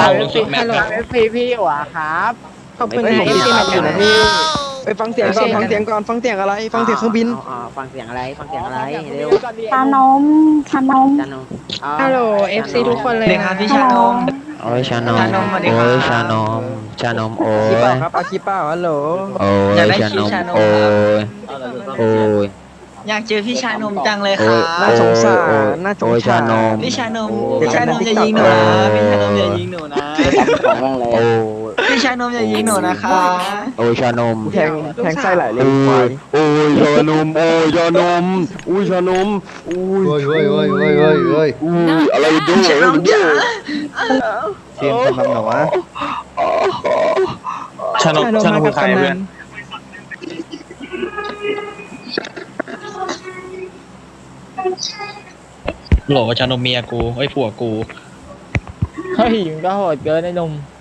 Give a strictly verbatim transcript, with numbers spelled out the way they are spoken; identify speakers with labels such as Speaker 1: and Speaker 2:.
Speaker 1: เอฟซี
Speaker 2: ฮัลโหล
Speaker 1: เอฟซีพี่อยู่อะครับ
Speaker 2: ขอบคุณ
Speaker 3: เฮ้ย
Speaker 2: นะ
Speaker 3: ผม
Speaker 2: เอฟซี
Speaker 3: ติด
Speaker 2: มา
Speaker 3: ตาม
Speaker 2: อยู่นะ
Speaker 3: พี่
Speaker 2: พี่
Speaker 3: ไปฟังเสียงก่อนฟังเสียงก่อนฟังเสียงอะไรฟังเสียงเครื่องบิน
Speaker 1: อ๋อฟังเสียงอะไรฟังเสียงอะไรเร็ว
Speaker 4: ชานมชานม
Speaker 1: จานนอ๋อ
Speaker 2: ฮัลโหล เอฟซี ทุกคนเลย
Speaker 5: เด็กค
Speaker 2: นะ
Speaker 5: รับพี่
Speaker 4: ฮัล
Speaker 5: ชา
Speaker 4: โหล
Speaker 5: นม
Speaker 6: โอ้ยชานม
Speaker 5: ชานมสวัสดีครับ
Speaker 6: โอ้ยชานมชานมโอ้
Speaker 3: คลิปเปล่าย ครับเอาคลิปเปล่าฮัลโหล
Speaker 6: โอ้
Speaker 5: อยาก
Speaker 6: ย
Speaker 5: ได้
Speaker 6: ชานม
Speaker 5: ชานม
Speaker 6: โอ้ยโอ้ย
Speaker 5: อยากเจอพี่ชานมจังเลยค
Speaker 6: โอ้
Speaker 5: รั
Speaker 6: ย
Speaker 5: บ
Speaker 3: น่าสงสาร
Speaker 6: โอ้ย
Speaker 3: น่าสง
Speaker 6: โอ้ย
Speaker 3: สาร
Speaker 6: ชานม
Speaker 5: พี่ชานม
Speaker 6: โอ้ย
Speaker 5: พี่ชานมอย่ายิงหนูนะพี่ชานมอย่ายิงหนูนะ
Speaker 6: โอ้ย
Speaker 5: พี่ชานมอย่ายิงหนูนะคะ
Speaker 6: โอ้ยชานม
Speaker 3: แทงแทงไส้ไหลเลย
Speaker 6: โอ้
Speaker 3: ควาย
Speaker 6: ยโอ้ยชานมโอ้ยชานมอุ้ยชานมอุ้ย
Speaker 7: เฮ้ยเฮ้ยเฮ้ยเฮ้ยเฮ้ยเฮ้ย
Speaker 6: อุ้ยอะไรดู
Speaker 5: ชานมจ๋า
Speaker 7: เสียงทำแบบไหนวะ
Speaker 1: ชานม
Speaker 2: ชานมมากับกำนัน
Speaker 8: โหลชานมเมียกูไอ้ยผัวกู
Speaker 1: เฮ้ยมึงก็โหดเกินไอ้หนุ่ม